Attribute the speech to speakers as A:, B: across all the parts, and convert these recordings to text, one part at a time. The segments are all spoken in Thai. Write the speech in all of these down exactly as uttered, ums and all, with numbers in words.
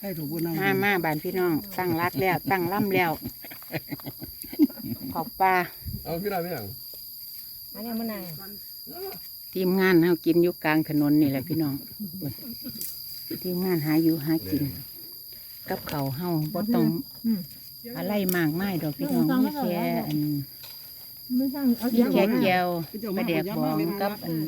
A: ให้ถูกบุญนำ
B: มามาบ้านพี่น้องตั้งรักแล้วตั้งล่ำแล้วขอบปลา
C: เอาพี่ได้ไหมยัง
D: อันนี้มันไหน
B: ทีมงานเฮากินอยู่กลางถนนนี่แหละพี่น้องทีมงานหาอยู่หากินกับเขาวเฮาบ่ต้องอะไรมากมายดอกพี่น้องมีแค่อัน
D: ไม่ใช่เอา
B: มีแค่แก้วปลาแดกบองกับอัน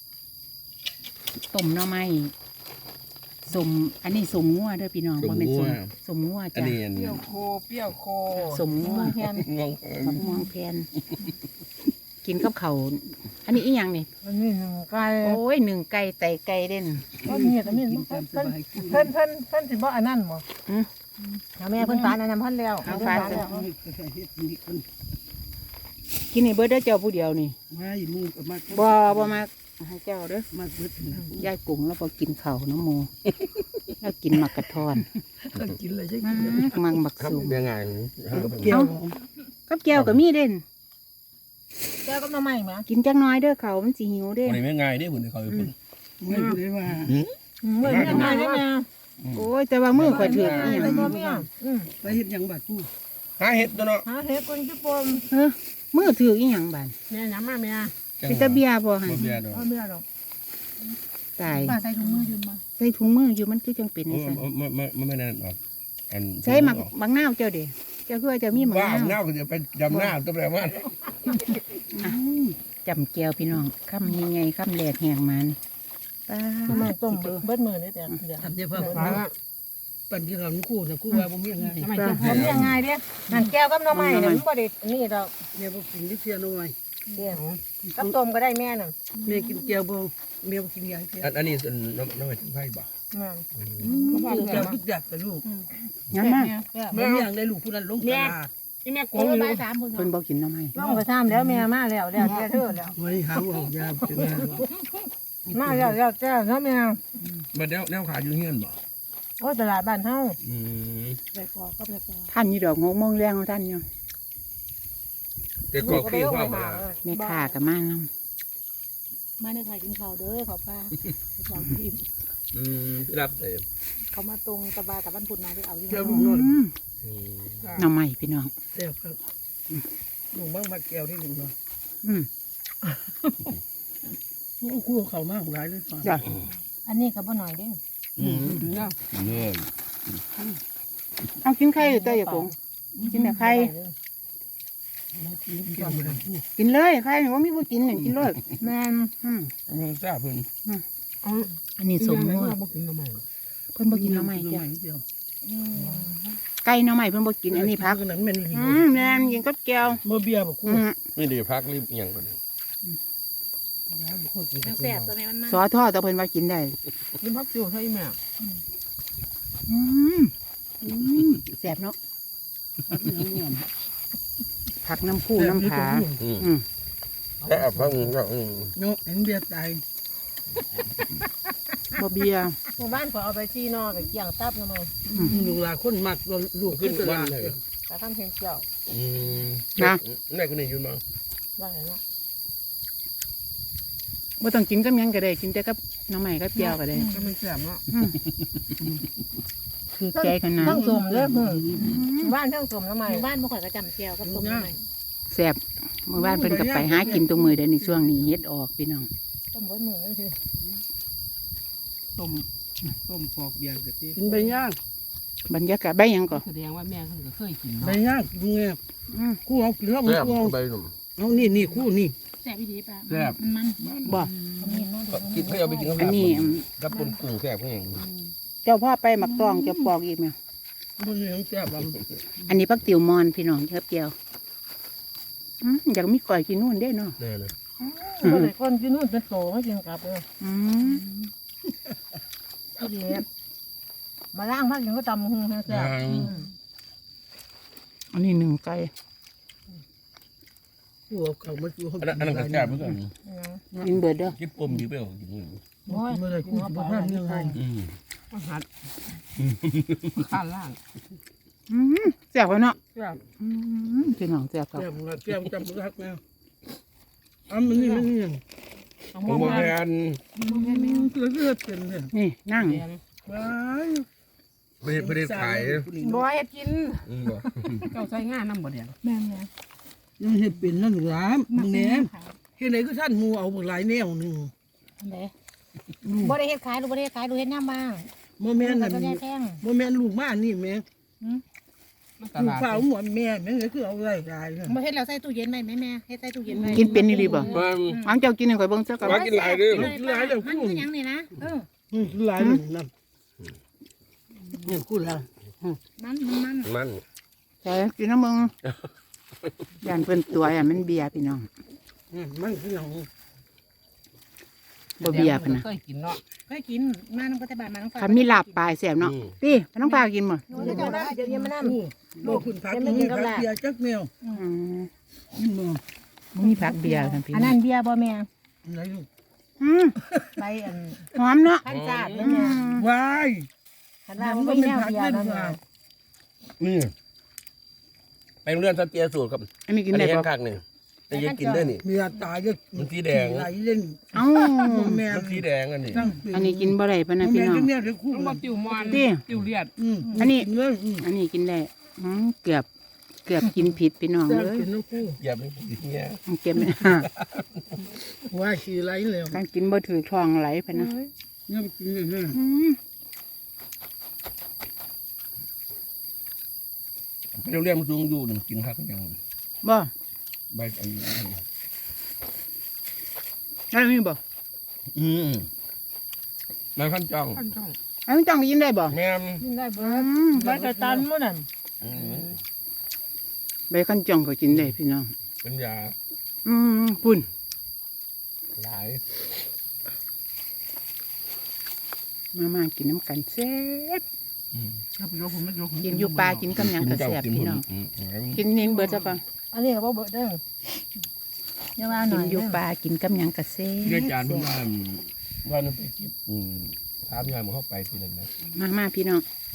B: ต้มหน่อไม้สมอันนี้สมงัวเด้อพี่น้องบ่แม่นสมสมงัว
C: อัน
B: จ้ะ
C: นี้อัน
A: เปรี้
C: นี้
A: ยวโคเปรี้ยวโค
B: สมงัว
D: แทน
C: งง
B: มะม่วงแพนกินกับเขาวอันนี้อีหยังนี่
D: อันนี้หนึ่งไก่
B: โอ้ยหนึ่งไก่ไตไก่เด่น
D: ก็มีแต่มีเพิ่นเพิ่นเพิ่นเพิ่นเพิ่นสิบ่อันนั้นบ่แม่เพิ่นฟานอันนั้นเพิ่นแล้ว
B: กินในเบิร์ดเด้อเจ้าผู้เดียวนี่
A: ไม่มือกับมา
B: บ่บ่มาให้เจ้าเด้อ
A: มาเบิด
B: ยายกุ้งแล้วพอกินข้าวน้ำหมูแล้วกินหมักกระทอน
A: ก็กินเลยใช่
B: มากมังบัก
C: ครับ
B: สูง
C: ยังไง
A: เกี่ยว
B: กับแก้วก็มีเด่น
D: แก้วกับน้ำใหม่มั้ย
B: กินจักหน้อยเด้อเขามันสิหิวเด้
C: วันนี้ไม่ง่ายเด้บุญเขาอยู่บุญ
A: ไม่ได้ว่า
D: เมื่อยังไงได้แม่
B: โอ้ยแต่ว่ามือข่อยถือกอีหยัง
D: บ่มีอ่ะอืม
A: ไปเห็นยังบาดผู้
C: หาเห็ดตัวเนาะ
D: หาเฮ็ดคนญี่ปุ่น
B: เฮ้อมือถือกอีหยังบาน
D: แม่น้ำมาแม่
B: เป็นตะเบียบ่หั่น
C: เบียร์ดอก
D: เอาเมียดอก
B: ตาย
D: ป้าใส่ถุงมือยืมมา
B: ใส่ถุงมืออยู่มันคือจังเป็น
C: โอ้
B: จังซั่น
C: ไม่ไม่ไม่ไม่นั่นหรอกอัน
B: ใช้หมักบางนาวเจ้าเด้เจ้าคือว่าเจะมีหมัก
C: ว่าน
B: าว
C: เน่าก็จะไปดำหน้าตัวแปลว่า
B: จำแก้วพี่น้องคำยังไงคำแหลกแหงมันป้า
D: แม่ต้มเบิดมือนี่แต่เดี๋ยว
A: ทำเนี่ยเพิ่มปั่นกินของคู่แต่คู่ว่าผมยังไง
D: ทำไมจะผมยังไงเด้นั่นแก้วกับน้ำใหม่เนี่ยมันบ่ได้นี่ดอก
A: เนี่ยผมกินที่เสียน้อย
D: เดี๋ยวกับต้มก็ได้แม่น่ะ
A: เมียกินเกี๊ยวบ่เมียกินยาเกี๊ยว
C: อันอันนี้ส่วนน้ำน้ำมันไผ่บ่
D: แม่
A: เกี๊ยวทุกอย่างแต่ลูก
B: งั้นมา
A: แม่อย่างได้ลูกผู้นั้นลงตลาด
D: ที่แม่โกงอยู่สามคน
B: เพิ่นบอกกินทำไม
D: ต้องไปทำแล้วแม่มาแล้วแล้วแกเธอแล้ว
A: ไว้หาเอายาเป็นไง
D: มาแล้วแล้วแจ้เนาะแม่
C: มาแนวแนวขาอยู่เฮียนบ่
D: โอ้ตลาดบ้านเฮา
C: อืม
D: ไปพอก็ไปพอ
B: ท่านอยู่ดอกงงมงแรงของท่านอยู่
C: แต่ก็ขี้ข้าวมา
B: แม่ข่ากับมาน
D: มาในถ่ายกินข้าวเด้อขอป้าสองทีม
C: อืมที่รับเลย
D: เขามาตรงตะบากับบ้านพุนน้องไปเอาที่
A: เกี๊ยว
D: นั่
A: ลู
D: น
A: กน้อย
B: ำอืม
C: อืม
B: หน่อไม้พี่น้อง
A: แซ่บครับลูกบ้างมาแก้วที่หนึ่งเนาะ
B: อืม
A: คู่เขามากหลายเลย
B: จ้ะ
D: อันนี้ก็บ่หน่อยเด้
C: อืมเนื้อ
B: เอากินไข่อยู่ตัวอย่าโกงกินแต่ไข่กินเลยไข่ว่ามีผู้กินหนึ่งกินเลย
D: แม่น
B: อืม
C: เนื้อจ้าเพิ่น
B: อันนี้สมมติ
A: บ่กินน้ำใหม่
B: เพิ่นบ่กินหน่อไม้จ้ะ
A: เดียว
B: ไก่หน่อไม้เพิ่นบ่กินอันนี้พัก
A: นั้นเป็น
B: อืมแม่นกินกับแก้ว
A: เมื่อเบียร์บอกคู่
B: อืม
C: ไม่ได้พักรีบเอียงก่อน
D: แซ่บตัวนี้มันมา
B: ซอทอดแต่เพิ่นว่ากินได้
A: กินพักจู่ให้แม่
B: อืมอืมแซ่บเนาะผักน้ำคู่น้ำผาอืม
C: แค่พักก็อืม
A: เนาะเห็นเบียร์ตาย
B: บ่เบียร์
D: หมู่บ้านก็เอาไปจี้นอกับเกี่ยงตับนะมั้ง
A: ลูกหลานคนมักลูก
C: ขึ้
A: ขึ้
C: น
A: นต
C: วัน
A: ลาด
C: เลย
D: แต่ทำเพียงเกี่ยว
C: อืมไหนคนนี้ยืนมา
D: ได้เนาะ
B: บ่ต้องกินกับหยังก็ได้กินแต่กับหน้ำใหม่กับเจียวก็ได้
A: ก็ไม่แซ่บเนาะ
B: คือใจขนาด
D: ทั้งสมเลยบ้านทั้งสมทำไมบ้านบ่ค่อยก็จำเกี่ยวกับสมทำไม
B: แซ่บเมื่อวานเพิ่นก็ไปหากินตรงมือเด้อในช่วงนี้เฮ็ดออกพี่น้อง
D: ต้มเบิดมือนี่คือ
A: ต้มต้มปอกเบียร์กะทิกินใบย่าง
B: บรรยากาศใบหยังก็
D: แสดงว่าแม่เพิ่นก็เคยกิน
A: ใบย่างกินไง
B: อืม
A: คู่เอากินแล้ว
C: แซ่บ
A: คู่เอา
C: ใบหนุ่ม
A: เอานี่นี่คู่นี่
D: แซ่บอีดีป่ะ
C: แซ่บ
D: มันมัน
B: บ่
C: กินเพื่อเอาไปกินกับ
B: อันนี้อืม
C: กับปนกุ้งแซ่บเพื่อน
B: เจ้าพ่อไปหมักตองจะปอกอีกไหม
A: มันนี่ของแซ่บอ่ะ
B: อันนี้ผักติ๋วมอนพี่น้องครับเจียวอืมอยากมีก่อยกินนู่นได้เนาะ
C: แน่เลย
D: คนที่นู่นเป็นโตไม่กินกลับเลย
B: อืม
D: ที่เดียมาล้างพักยังก็ตำหงแซ่บ
B: อันนี้หนึ่งไก่
A: คู่เอาเขามาจูเขา
C: อันนั้นอันนั้นก็แซ่บเหมือนกัน
B: กินเบิดเด้อ
C: กินปมอยู่เปล่ากินนี่
A: เมื่อไรคู่จะบ้านยังไง
C: อืม
A: หัดข้าล่าง
B: อืมแซ่บเนาะ
A: แซ่บ
B: อืมพี่น้องแซ่บครับ
A: แซ่บแซ่บจำรักแมวอันมันนี่มันนี่
C: ผมบอกแทน
A: เลือดเลือดเป็นเลย
B: นี่นั่ง
A: ว้าย
C: ไม่ได้ไม่ได้ขาย
D: บ่เฮ็ดกิน
C: อืมบ่
A: เจ้าใช้งานนำบ่เดียว
D: แม่นไง
A: ยังเฮ็ดเป็นนั่นหรอมึงแหนเฮ็ดไหนก็ท่านหมูเอาบักหลายแนวหนึง
D: อันใดบ่ได้เฮ็ดขายลูกบ่ได้เฮ็ดขายลูกเฮ็ดย่ำบ้าง
A: บ่แม่นนั่น
D: ก็ได้แพง
A: บ่แม่นลูกมานี่แม่
D: หืม
A: ลูกสาวหมวนแม่แม่ก็คือเอาไว้หลายนั่น
D: บ่เฮ็ดแล้วใส่ตู้เย็นไว้แม่แม่เฮ็ดใส่ตู้เย็นไว้
B: กินเป็นนี่ดีบ่
C: มัน
B: อังเจ้ากินให้ข่อยเบิ่งซะก่อน
C: มากินหลายเด้อ
A: หลายเด้อ
D: มันคือหยังนี่นะเออ
A: อืมหลายนั่นนั่นนี่กูละ
D: มันมันมัน
C: มัน
B: ใช่กินน้ำมึงย่านเพิ่นตัวย่านมันเบียร์พี่น้อง
A: อืมมันคือหยัง
B: บ่เบียร์เพิ่นน่ะ
A: เคยกินเนาะ
D: เคยกินมาน้องปัจจุบันมาน้องฟ้า
B: คันมีลาบปลายแซ่บเนาะพี่น้องปลากินบ่
D: เดี๋ยวเจ้าได้เดี๋ยวเย็นมานั่ง
A: บ่คุณพักนี่พักเบียร์จักแนว
B: อืม
A: นี่บ่
B: บ่มีผักเบียร์กันพี่
D: อันนั้นเบียร์บ่แม่
A: ไหนลูก
B: อืม
D: ไปอัน
B: หอมเนาะ
D: ขั้นจาด
B: อื
D: แม่
B: ม
A: วาย
D: คันว่ามันบ่มีแนวเบียร์นั่นน่ะ
C: นี่ไปโรงเรียนสเตียสูตรครับ
B: อันนี้กิน
C: อัน
B: ได้
C: นี้
B: บ่
C: ข้างหนึ่งแต่ยังกินได้นี่
A: เมียตายก็
C: มันสีแดง
A: ไหลเล่น
B: เอ้า
A: แม่
C: มันสีแดงอันนี้
A: ตั้ง
B: อันนี้กินบ่ได้ปะนะพี่น้อง
A: แม่จะคู่
E: ต้องบอกติวมอน
B: ติ
E: ติวเลียด
A: อืม
B: อันนี้
A: เงินอืม
B: อันนี้กินได้อืมเกือบเกือบกินผิดพี่น้อง
A: จ้าง
B: เลย
A: กินน้ำคู่
C: อย่าไปกินเนี่ย
B: เก็บ
A: ว่าขี่ไหลแล้ว
B: การกินบ่ถือท้องไหลไปนะ
A: เนี่ยกินเลยนะ
B: อืม
C: ไปโรงเรียนมันสูงอยู่หนึ่งกินข้าวยัง
B: บ่
C: ใบอันนี้
B: ได้มีบ่
C: อืมนายขั้นจอง
E: ขั้นช่อง
B: อันนี้จังกินได้บ่
C: แม่ม
D: กินได้บ่
B: อืม
D: ใบสตันมื้อนั่น
C: อืม
B: ใบขั้นจ่องก็กินได้พี่น้อง
C: เป็นยา
B: อืมปุ่น
C: หลาย
B: มามากินน้ำกันแซ่บ
C: อืม
B: กินอยู่ปลากินกับหยังก็แซ่บพี่น้อง
C: อืมอืม
B: กินนิ่งเบิดซะก่อน
D: อันนี้ก็บ่เบิดเด้ออย่าว่าหน่
B: กิ
D: อน ย
B: อยู่ปลากินกับหยังก็แซ่บ
C: เรียกจานเพิ่งว่าว่านั่นไปเก็บอืมถามยายมันเข้าไปทีนั้นนะ
B: มามาพี่น้อง